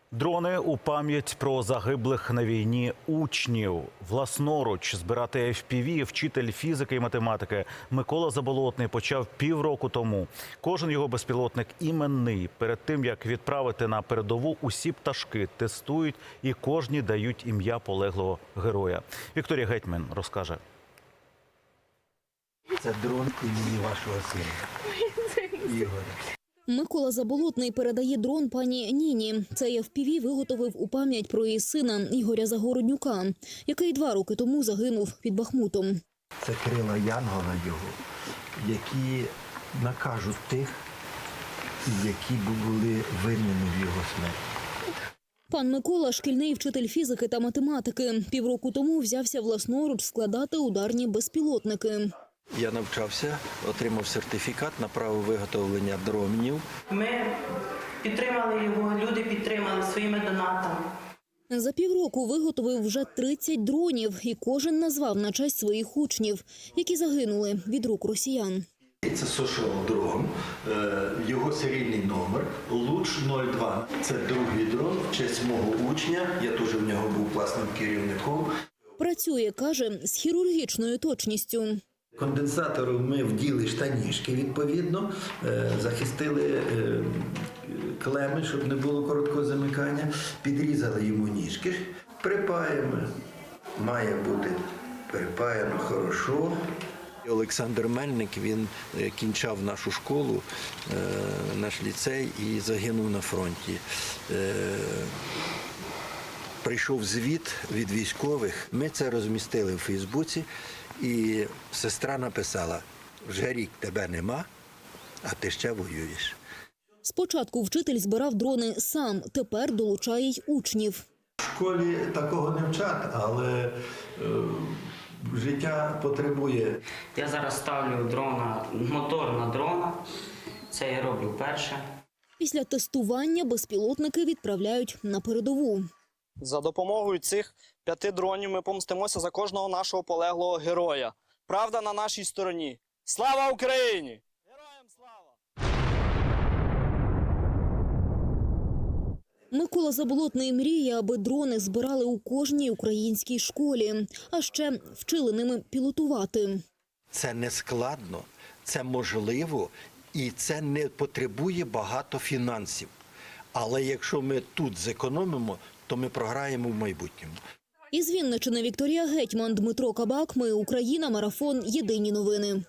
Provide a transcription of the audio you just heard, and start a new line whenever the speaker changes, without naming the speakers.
Дрони у пам'ять про загиблих на війні учнів. Власноруч збирати FPV вчитель фізики і математики Микола Заболотний почав півроку тому. Кожен його безпілотник іменний. Перед тим, як відправити на передову, усі пташки тестують і кожні дають ім'я полеглого героя. Вікторія Гетьман розкаже.
Це дрон імені вашого сина, Ігоря.
Микола Заболотний передає дрон пані Ніні. Цей FPV виготовив у пам'ять про її сина Ігоря Загороднюка, який 2 роки тому загинув під Бахмутом.
Це крила Янгола його, які накажуть тих, які були винні в його смерті.
Пан Микола – шкільний вчитель фізики та математики. Півроку тому взявся власноруч складати ударні безпілотники.
Я навчався, отримав сертифікат на право виготовлення дронів.
Ми підтримали його, люди підтримали своїми донатами.
За півроку виготовив вже 30 дронів і кожен назвав на честь своїх учнів, які загинули від рук росіян.
Це Social дрон, його серійний номер Луч-02. Це другий дрон в честь мого учня, я теж в нього був класним керівником.
Працює, каже, з хірургічною точністю.
Конденсатору ми вділи штанішки, відповідно, захистили клеми, щоб не було короткого замикання, підрізали йому ніжки, припаємо, має бути припаяно хорошо. Олександр Мельник, він кінчав нашу школу, наш ліцей і загинув на фронті. Прийшов звіт від військових, ми це розмістили в Фейсбуці, і сестра написала: вже рік тебе нема, а ти ще воюєш.
Спочатку вчитель збирав дрони сам, тепер долучає й учнів.
В школі такого не вчать, але життя потребує.
Я зараз ставлю мотор на дрона, це я роблю перше.
Після тестування безпілотники відправляють на передову.
За допомогою цих 5 дронів ми помстимося за кожного нашого полеглого героя. Правда на нашій стороні. Слава Україні! Героям слава!
Микола Заболотний мріє, аби дрони збирали у кожній українській школі, а ще вчили ними пілотувати.
Це не складно, це можливо і це не потребує багато фінансів. Але якщо ми тут зекономимо, то ми програємо в майбутньому.
Із Вінниччини Вікторія Гетьман, Дмитро Кабак. Ми Україна. Марафон. Єдині новини.